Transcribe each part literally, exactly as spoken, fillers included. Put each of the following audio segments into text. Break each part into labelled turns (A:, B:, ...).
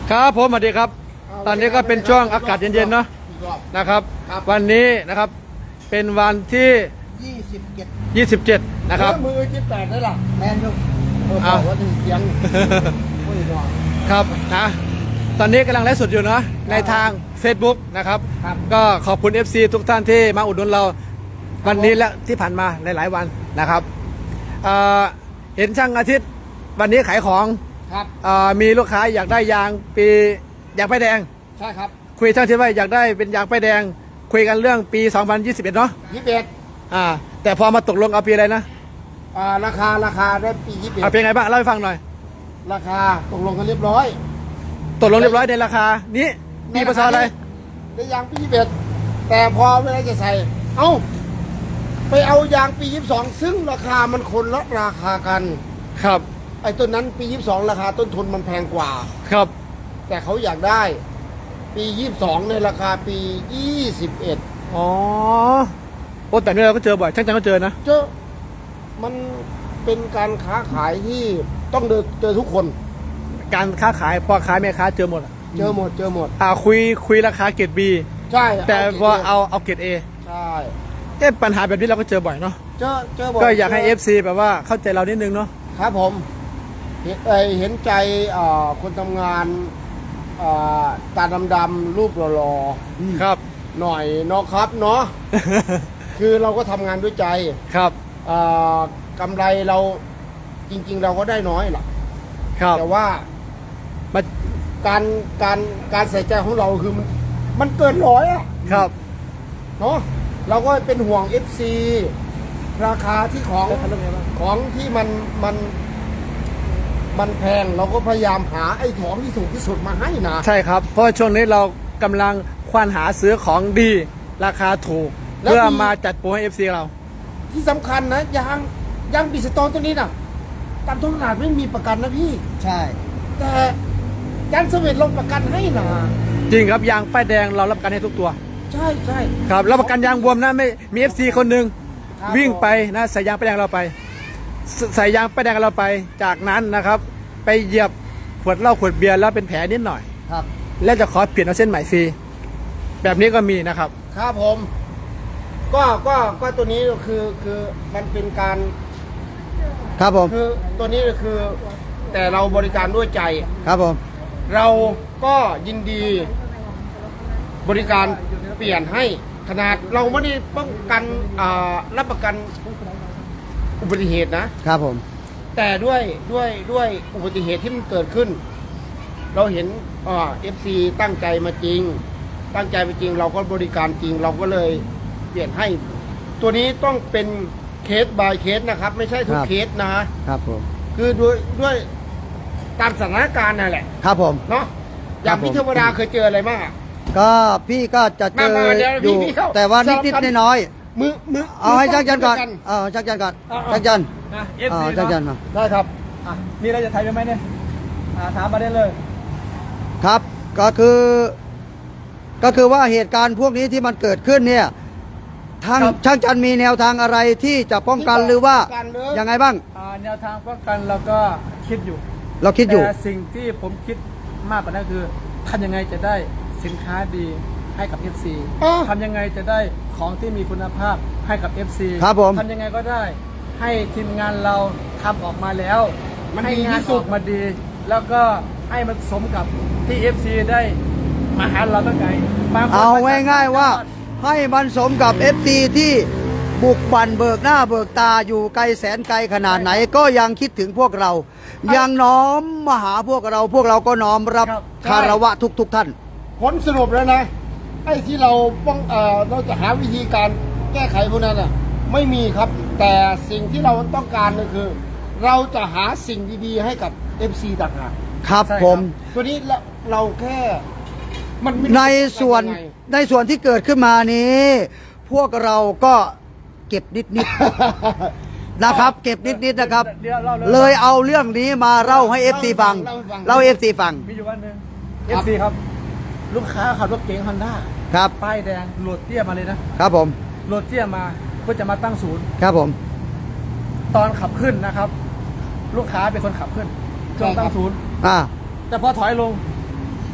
A: ครับผมสวัสดีครับตอนนี้ก็เป็นช่วงอากาศเย็นๆเนาะนะครับวันนี้นะครับเป็นวันที่
B: ยี่สิบเจ็ด
A: ยี่สิบเจ็ดนะครับ
B: มือที่แปดได้หรอแมนยูเออบอกว่าถึงเสียง
A: ครับนะตอนนี้กำลังไลฟ์สดอยู่เนาะในทาง Facebook นะครับก็ขอบคุณ เอฟ ซี ทุกท่านที่มาอุดหนุนเราวันนี้และที่ผ่านมาหลายๆวันนะครับเห็นช่างอาทิตย์วันนี้ขายของมีลูกค้าอยากได้ยางปียางป้ายแดง
B: ใช่ครับ
A: คุยช่างที่ว่าอยากได้เป็นยางป้ายแดงคุยกันเรื่องปีสองพันยี่สิบเอ็ดเนาะ
B: ยี่สิบเอ็ด
A: อ่าแต่พอมาตกลงเอาปีอะไรนะ
B: อ่าราคาราคาได้ปียี่สิบเอ็ด
A: เอาเป็นไงบ้างเล่าให้ฟังหน่อย
B: ราคาตกลงกันเรียบร้อย
A: ตกลงเรียบร้อยในราคานี้มีภาษาอะไร
B: ในยางปียี่สิบเอ็ดแต่พอเวลาจะใส่เอ้าไปเอายางปียี่สิบสองซึ่งราคามันคนละราคากัน
A: ครับ
B: ไอ้ต้นนั้นปียี่สิบสองราคาต้นทุนมันแพงกว่า
A: ครับ
B: แต่เขาอยากได้ปียี่สิบสองในราคาปียี่สิบเอ็ด
A: อ๋อโอ้แต่เนี่ยเราก็เจอบ่อยช่างจังก็เจอนะ
B: เจอมันเป็นการค้าขายที่ต้องเดินเจอทุกคน
A: การค้าขายพ่อค้าแม่ค้าเจอหมด
B: เจอหมดเจอหมด
A: อ่าคุยคุยราคาเกรดบี
B: ใช่
A: แต่พอเอาเอาเกรดเอ
B: ใช่
A: เอ๊ะปัญหาแบบนี้เราก็เจอบ่อยเนาะ
B: เจอเจอบ่อย
A: ก็อยากให้ เอฟ ซี แบบว่าเข้าใจเรานิดนึงเนาะ
B: ครับผมเห็นเห็นใจคนทำงานตาดำๆรูปหล่อ
A: ๆครับ
B: หน่อยเนาะครับเนาะ คือเราก็ทำงานด้วยใจ
A: ครับ
B: กำไรเราจริงๆเราก็ได้น้อยหรอกแต่ว่าการการการใส่ใจของเราคือมันมันเกินร้อยอ่ะ
A: ครับ
B: เนาะเราก็เป็นห่วง เอฟ ซี ราคาที่ของของที่มันมันมันแพงเราก็พยายามหาไอ้ของที่ถูกที่สุดมาให้นะ
A: ใช่ครับเพราะช่วงนี้เรากำลังควานหาซื้อของดีราคาถูกเพื่อมาจัดโปรให้ เอฟ ซี เรา
B: ที่สำคัญนะยางยางบิสโตนตัวนี้นะตามท้องตลาดไม่มีประกันนะพี่ใช่แต่ยางเสวีลงประกันให้นะ
A: จริงครับยางป้ายแดงเรารับประกันให้ทุกตัว
B: ใช่ใช่
A: ครับรับประกันยางบวมนะไม่มี เอฟ ซี คนหนึ่งวิ่งไปนะใส่ยางป้ายแดงเราไปใส่ยางป้ายแดงเราไปจากนั้นนะครับไปเหยียบขวดเหล้าขวดเบียร์แล้วเป็นแผลนิดหน่อย
B: ครับ
A: แล้วจะขอเปลี่ยนเอาเส้นใหม่ฟรีแบบนี้ก็มีนะครับ
B: ครับผมก็ก็ก็ตัวนี้คือคือมันเป็นการ
A: ครับผม
B: คือตัวนี้คือแต่เราบริการด้วยใจ
A: ครับผม
B: เราก็ยินดีบริการเปลี่ยนให้ขนาดเราไม่ได้ป้องกันรับประกันอุบัติเหตุนะครับ
A: ผม
B: แต่ด้วยด้วยด้วยอุบัติเหตุที่มันเกิดขึ้นเราเห็นเอฟซีตั้งใจมาจริงตั้งใจมาจริงเราก็บริการจริงเราก็เลยเปลี่ยนให้ตัวนี้ต้องเป็นเคส by เคสนะครับไม่ใช่ทุกเคสนะครับ
A: ผม
B: คือด้วยด้วยตามสถานการณ์นั่นแหละ
A: ครับผม
B: เนาะอย่างพี่เทวดาเคยเจออะไรบ้าง
A: ก็พี่ก็จะเจออยู่แต่ว่านิดๆน้อย
B: ๆมือมือ
A: เอาให้จักจันก่อนเอาจักจันก่อนจักจันอ๋อจักจันมา
B: ได้ครับ
A: มีอะไรจะไทยไหมเนี่ยถามมาได้เลยครับก็คือก็คือว่าเหตุการณ์พวกนี้ที่มันเกิดขึ้นเนี่ยทางช่างจันมีแนวทางอะไรที่จะป้องกันหรือว่ายังไงบ้างแนวทางป้องกันเราก็คิดอยู่เราคิดอยู่แต่สิ่งที่ผมคิดมากกว่านั้นคือทำยังไงจะได้สินค้าดีให้กับ เอฟ ซี ทำยังไงจะได้ของที่มีคุณภาพให้กับ เอฟ ซี ครับผมทำยังไงก็ได้ให้ทีมงานเราทำออกมาแล้วให้งานออกมาดีแล้วก็ให้มันสมกับที่ เอฟ ซี ได้มาหาเราตั้งไงเอาง่ายๆว่าให้มันสมกับ เอฟ ซี ที่บุกบั่นเบิกหน้าเบิกตาอยู่ไกลแสนไกลขนาดไหนก็ยังคิดถึงพวกเรายังน้อมมาหาพวกเราพวกเราก็น้อมรับคารวะทุกๆท่าน
B: ผลสรุปแล้วนะไอ้ที่เราป้องเอ่อเราจะหาวิธีการแก้ไขพวกนั้นอ่ะไม่มีครับแต่สิ่งที่เราต้องการก็คือเราจะหาสิ่งดีๆให้กับ เอฟ ซี ต่างหาก
A: ครับผม
B: ตัวนี้เราเราแค่
A: มันในส่วนในส่วนที่เกิดขึ้นมานี้พวกเราก็เก็บนิดๆนะครับเก็บนิดๆนะครับเลยเอาเรื่องนี้มาเล่าให้ เอฟ ซี ฟังเล่า เอฟ ซี ฟังมีอยู่วันนึง เอฟ ซี ครับลูกค้าขับรถเก๋งฮอนด้าครับป้ายแดงโหลดเตี้ยมาเลยนะครับผมโหลดเตี้ยมาเพื่อจะมาตั้งศูนย์ครับผมตอนขับขึ้นนะครับลูกค้าเป็นคนขับขึ้นจนตั้งศูนย์อ่าแต่พอถอยลง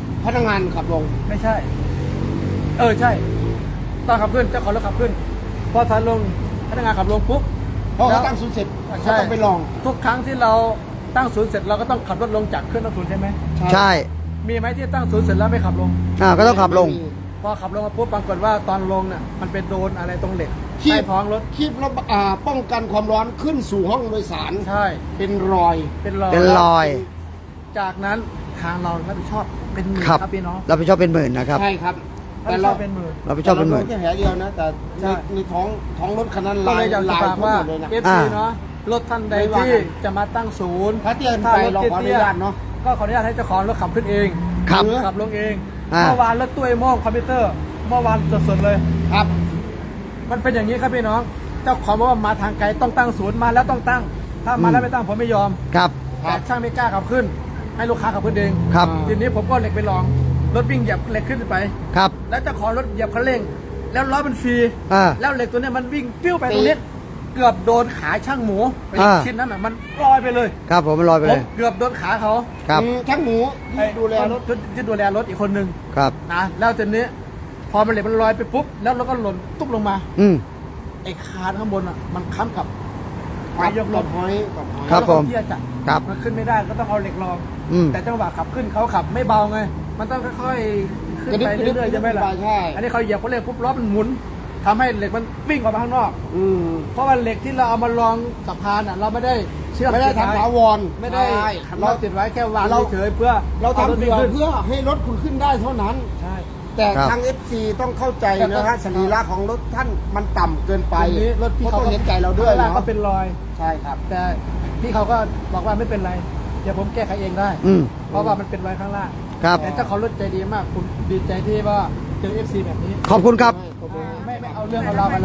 B: พนักงานขับลง
C: ไม่ใช่ เออใช่ต้องขับขึ้นเจ้าของรถขับขึ้น พอถอยลงพนักงานขับลงปุ๊บ
B: เพราะ
C: แล้
B: เขา
C: ว
B: ตั้งศูนย์เสร็จ
C: ใช่
B: เขาต้องไปลอง
C: ทุกครั้งที่เราตั้งศูนย์เสร็จเราก็ต้องขับรถลงจากเครื่องตั้งศูนย์ใช่ไหม
A: ใช่
C: มีไหมที่ตั้งศูนย์เสร็จแล้วไม่ขับลง
A: อ่าก็ต้องขับลง
C: พอขับลงมาปุ๊บปรากฏว่าตอนลงน่ะมันเป็นโดนอะไรตรงเหล็ก
B: คี
C: ใต้
B: บ
C: ท้องรถ
B: คีบแล้วอ่าป้องกันความร้อนขึ้นสู่ห้องโดยสาร
C: ใช่
B: เป็นรอย
C: เป็นรอย
A: เป็นรอย
C: จากนั้นทางเรารับผิดชอบเป็นหมื่น
A: ครับ
C: ครับพี่น้อง
A: เราไปชอบเป็นหมื่นนะครับ
B: ใช่ครับ
C: รับ
B: แต่
C: ผิดช
B: เรา
C: อบเป็นหมื่น
A: เราไปชอบเป็นหมื่น
B: แต่ราโดแค่แผลเดียวนะ แต่
C: ใช่
B: ในในท้องท้องรถคันนั้น
C: ก็
B: ลา
C: เลย ยอยากจะ
B: ลาย
C: ฝาก
B: ทั่ว
C: ว่า
B: หมดเลยนะ
C: เอฟ
A: อ่า
C: ซีเนาะรถท่านใด
B: ไม่ว่า
C: ที่
B: กัน
C: จะมาตั้งศูนย์
B: ถ้าเตี้ยนไปเราขออนุญาตเนาะ
C: ก็ขออนุญาตให้เจ้าของรถขับขึ้นเอง
A: ครับ
C: หรือขับลงเอง
A: อ่า
C: เมื่อวานรถตู้ไอ้โม่งคอมพิวเตอร์เมื่อวานสดๆเลย
B: ครับ
C: มันเป็นอย่างนี้ครับพี่น้อง เจ้าของบอกว่ามาทางไกลต้องตั้งศูนย์มาแล้วต้องตั้ง ถ้ามาแล้วไม่ตั้งผมไม่ยอม
A: ครับ
B: ครั
C: แต่
B: บ
C: ช่างไม่กล้าขับขึ้น ให้ลูกค้าขับขึ้นเอง
A: ครับ
C: ทีนี้ผมก็เหล็กไปลองรถวิ่งเหยียบเหล็กขึ้นไป
A: ครับ
C: แล้วเจ้าของรถเหยียบคันเร่ง แล้วล้อมันฟรี
A: อ่า
C: แล้วเหล็กตัวเนี้ยมันวิ่งปิ้วไปตรงนี้เกือบโดนขาช่างหมูไป
A: อ่า
C: ชิ้นนั้นอ่ะมันลอยไปเลย
A: ครับผมมันลอยไป
C: ผ
A: เล
C: ม
A: ย
C: เกือบโดนขาเขา
A: ครับ
B: อืมช่างหมูที่ดูแลรถ
C: ที่ที่ดูแลรถอีกคนนึง
A: ครับ
C: นะแล้วทีนี้ พอมันเหล็กมันลอยไปปุ๊บแล้วเราก็หล่นตุ๊บลงมา
A: อืม
C: ไอ้คานข้างบนอ่ะมันค้ำกับ
B: ค
C: ไม้
B: รับ
C: ยกล
B: กับ
C: ม
B: หอยกับหอย
A: ครับผม
C: แล้วเขาเตี้ยจัด
A: ครับ
C: มันขึ้นไม่ได้ก็ต้องเอาเหล็กรอง
A: อืม
C: แต่จังหวะขับขึ้นเขาขับไม่เบาไง มันต้องค่อยๆขึ้นไปเรื่อยๆใช่ไหมล่ะ
B: ใช่
C: อันนี้เขาเหยียบเขาเร่งปุ๊บล้อมันหมุนทำให้เหล็กมันวิ่งออกมาข้างนอก
B: อืม
C: เพราะว่าเหล็กที่เราเอามาลองสะพานอ่ะเราไม่ได้เชื่อม
B: ไม่ได้
C: ติว้
B: ทำถาวร
C: ไม่ได้
B: ใช่
C: เราติดไว้แค่วาง
B: เรา
C: เฉยๆเพื่อ
B: เรา
C: อ
B: ทำ
C: ถ
B: เพื่อ
C: ขึ้น
B: เพื่อให้รถคุณขึ้นได้เท่านั้น
C: ใช่
B: แต่
A: ครับ
B: ทาง เอฟ ซี ต้องเข้าใจ
C: แต่ต้
B: นะ
C: อง
B: ฮะสรีระของรถท่านมันต่ำเกินไป
C: ทีนี้รถพี่
B: เขา
C: เขา
B: ต้องเห็นใจเราด้วย
C: ข้งล่าง
B: เนาะ
C: ก็เป็นรอย
B: ใช่ครับ
C: แต่พี่เขาก็บอกว่าไม่เป็นไรเดี๋ยวผมแก้ไขเองได้
A: อืม
C: เพราะว่ามันเป็นรอยข้างล่าง
A: ครับ
C: แต่เจ้าของรถใจดีมากผมดีใจที่ว่าเจอเอฟซีแบบนี้
A: ขอบคุณครับ
C: อ่าไม่ไม่เอาเรื่องเอาราวมาเรา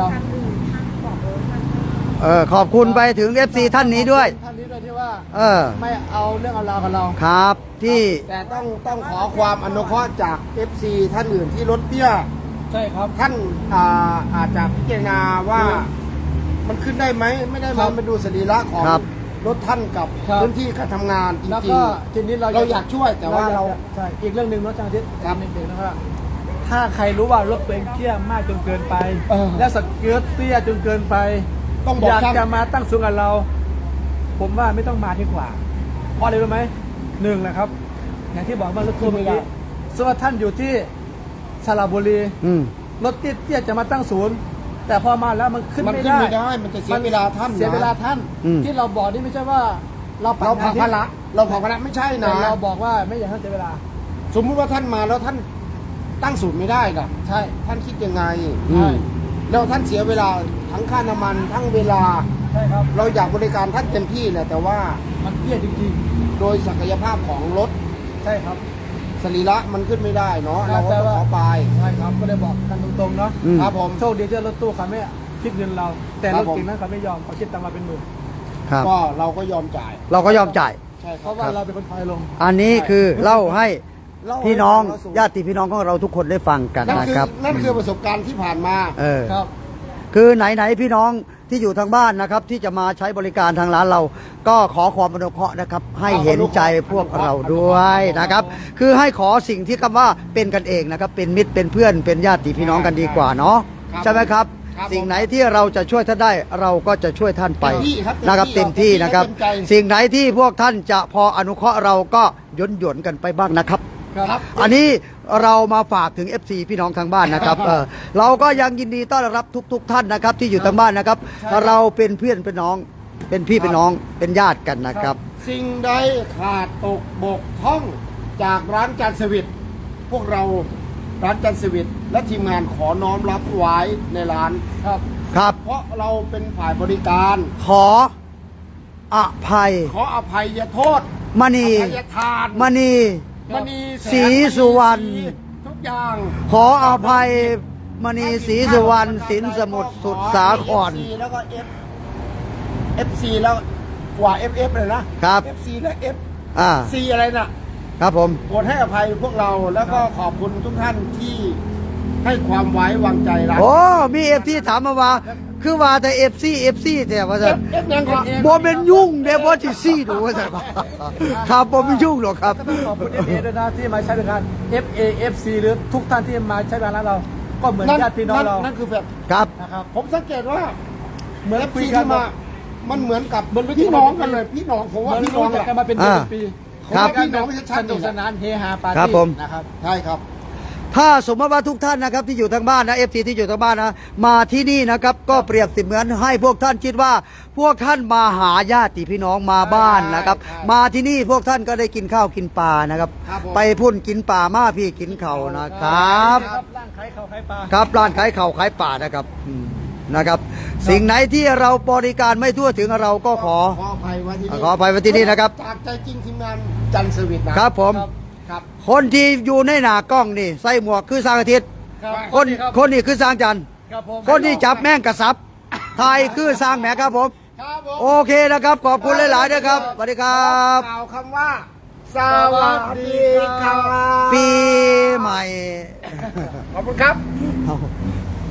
A: เออ ขอบคุณไปถึง เอฟ ซี ท่านนี้ด้วย
C: ท่านนี้ด้วยที่ว่า
A: เออ
C: ไม่เอาเรื่องเอาราวกับเรา
A: ครับ ที่
B: แต่ต้องต้องขอความอนุเคราะห์จาก เอฟ ซี ท่านอื่นที่รถเตี้ย
C: ใช่ครับ
B: ท่านอ่าอาจจะพิจารณาว่ามันขึ้นได้ไหมไม่ได้ไห
C: ค
B: ม
C: รับ
B: มาดูสรีระของ
A: ครับ
B: รถท่านกับ
C: ครับ
B: พื้นที่การทำงานจ
C: แล้ว
B: ริง
C: ก็ทีนี้เรา
B: เราอยากช่วยแต่ว่าเรา
C: อยกใช่อีกเรื่องหนึ่งเนาะจังทิศ
B: ครับ
C: หนึ่งๆนะครับถ้าใครรู้ว่ารถตัวเองเตี้ยมากจนเกินไป
B: เออ
C: และสเกิร์ตเตี้ยจนเกินไป
B: ต้องบอก
C: อยาก
B: ช่าง
C: จะมาตั้งสูงกับเรา ผมว่าไม่ต้องมาดีกว่าเพราะอะไรรู้ไหมหนึ่งนะครับ อย่างที่บอกเมื่อรถทัวร์เมื่อกี้สมมติว่าท่านอยู่ที่สระบุรี
A: อืม
C: รถเตี้ยๆจะมาตั้งศูนย์ แต่พอมาแล้วมันขึ้น
B: มัน
C: ไม่
B: ขึ้น
C: ได้
B: ไม่ได้ มันจะเสียเวลาท่าน
C: เสียเวลา
B: นะ
C: ท่าน
A: อืม
C: ที่เราบอกนี่ไม่ใช่ว่า เราปัด
B: เราผลัก
C: งน
B: ภาระเราผลักภาระไม่ใช่
C: แต่
B: นะ
C: เราบอกว่าไม่อยากให้เสียเวลา
B: สมมุติว่าท่านมาแล้วท่านตั้งศูนย์ไม่ได้ล่ะ
C: ใช่
B: ท่านคิดยังไง
A: อืม
B: แล้วท่านเสียเวลาทั้งค่าน้ำมันทั้งเวลา
C: ใช่ครับ
B: เราอยากบริการท่านเต็มที่แหละแต่ว่า
C: มันเตี้ยจริง
B: โดยศักยภาพของรถ
C: ๆ ใช่ครับ
B: สรีระมันขึ้นไม่ได้เนาะ
C: แต่
B: เราก็ต้อง
C: ว่า
B: ขอไป
C: ใช่ครับก็เลยบอกกันตรงๆเนาะ
A: อืม
B: ครับผม
C: โชคดีที่รถตู้เขาไม่คิดเงินเรา แต่
B: ครั
C: ร
B: บ
C: ถ
B: ผม
C: เก่งนั้นเขาไม่ยอมเขาคิดตังค์มาเป็นหมื่น
A: ครับ
B: ก็เราก็ยอมจ่าย
A: เราก็ยอมจ่าย
B: ใช่ค
C: เพ
B: รับ
C: ราะว่าเราเป็นคนถอยลง
A: อันนี้คือเล่าให้
B: เล่าให้
A: พี่น้อง
B: ฟังแล้วสูง
A: ญาติพี่น้องของเราทุกคนได้ฟังกัน
B: นั่น
A: นะ
B: คือ
A: ครับ
B: นั่นคือประสบการณ์ที่ผ่านมา
A: เออ
C: ครับ
A: คือไหนๆพี่น้องที่อยู่ทางบ้านนะครับ ที่จะมาใช้บริการทางร้านเรา ก็ขอความอนุเคราะห์นะครับ ให้เห็นใจพวกเราด้วยนะครับ คือให้ขอสิ่งที่คำว่าเป็นกันเองนะครับ เป็นมิตรเป็นเพื่อนเป็นญาติพี่น้องกันดีกว่าเนาะ
B: ครับ
A: ใช่ไหมครับ
B: ครับ
A: สิ่งไหนที่เราจะช่วยท่านได้เราก็จะช่วยท่านไป
B: เต็มที่ครับ
A: นะครับ
B: เต็
A: เต็ม
B: มที่
A: ที่นะครับ
B: เต็มใจ
A: สิ่งไหนที่พวกท่านจะพออนุเคราะห์เราก็หย่นหย่นๆกันไปบ้างนะครับ
B: ครับ
A: อันนี้เรามาฝากถึง เอฟ ซี พี่น้องทางบ้านนะครับเออเราก็ยังยินดีต้อนรับทุก ๆ ท่านนะครับ ที่อยู่ทางบ้านนะครับ
C: ใช่ครับ
A: เราเป็นเพื่อนเป็นน้อง เป็นพี่เป็นน้องเป็นญาติกันนะครับ
B: สิ่งใดขาดตกบกพร่องจากร้านจันทร์สวิตพวกเราร้านจันทร์สวิตและทีมงานขอน้อมรับไว้ในร้าน
C: ครับ
A: ครับ
B: เพราะเราเป็นฝ่ายบริการ
A: ขออภัย
B: ขออภัยโทษ
A: มณี
B: อภัยทาน
A: มณี
B: มณีแสง
A: ศรีสุวรรณ
B: มณีทุกอย่าง
A: ขออภัยมณีศรีสุวรรณสินสมุทรสุดสาคร
B: เอฟซีแล้วก็ F เอฟซีแล้วกว่า เอฟ เอฟ เลยนะครับ เอฟซีและ F
A: อ่า
B: ซีอะไรน่ะ
A: ครับผม
B: โปรดให้อภัยพวกเราแล้วก็ขอบคุณทุกท่านที่ให้ความไว้วางใจเรา
A: โอ้มีเอฟที่ถามมาว่าคือว่าแต่เอฟซีเอฟซีแต่ว่า
B: เอ
A: จะ
B: ฟเอฟยังก่อน
A: บ่เป็นยุ่งเด้บ่สิซี่ดูว่าซั่นครับบ่เป็นยุ่งหรอกครับ
C: ก็ต้องขอบคุณ เอฟ เอ ด้วยนะที่มาใช้บริการ เอฟ เอ เอฟ ซี หรือทุกท่านที่มาใช้บริการร้านเรา ก็เหมือนญาติพี่น้องเรา
B: นั่นคือแบบ
A: ครับ
C: นะครับ
B: ผมสังเกตว่า
C: เหมือน
B: เอฟ
C: คุย
B: ซี
C: กัน
B: ที่มา มันเหมือนกับพี่น้องกันเลย พี่น้องผม
C: เหมื
B: ว่า
C: อน
B: พี่น้
C: รู้
B: อง
C: จัก
B: แห
C: กัน
B: ละ
C: มาเป็นเดือนเป็นปี
A: ครับ
B: พี่น้องไม่ใช่ชั
C: ส
B: ด
C: นุกสนานเฮฮาปาร์
A: ครับ
C: ตี้
A: ผม
C: นะครับ
B: ใช่ครับ
A: ถ้าสมมติว่าทุกท่านนะครับที่อยู่ทางบ้านนะเอฟซีที่อยู่ทางบ้านนะมาที่นี่นะครับก็เปรียบเสมือนให้พวกท่านคิดว่า พวกท่านมาหาญาติพี่น้องมาบ้านนะครับ
B: ใช่
A: มาที่นี่พวกท่านก็ได้กินข้าวกินปลานะครับ
B: ครับผม
A: ไปพุ่นกินปลามาพี่กินเข่าวนะครับ
C: ครับร่างขายเขาวขายปลา
A: ครับร้านขายเข่าวขายปลานะครับอืมนะครับ สิ่งไหนที่เราบริการไม่ทั่วถึงเราก็ขอ
B: ขออภัยไว้ที่นี่
A: ขออภัยไว้ที่นี่นะครับ
B: จากใจจริงทีมงานจันทร์เซอร์วิสนะครับ
A: ผม
B: ครับ
A: คนที่อยู่ในหน้ากล้องนี่ใส่หมวกคือสร้างอาทิตย์
C: ครับ
A: คน
C: รับ
A: คนนี้คือสร้างจันทร์
C: ครับผม
A: คนที่จับแม่งกระซับไทยคือสร้างแหมครับผม
B: ครับผม
A: โอเคนะครับ ขอบคุณหลายๆด้วยครับสวัสดีครับ
B: กล่าวคำว่า สวัสดีครับ
A: ปีใหม่
B: ขอบคุณครับ
A: เอา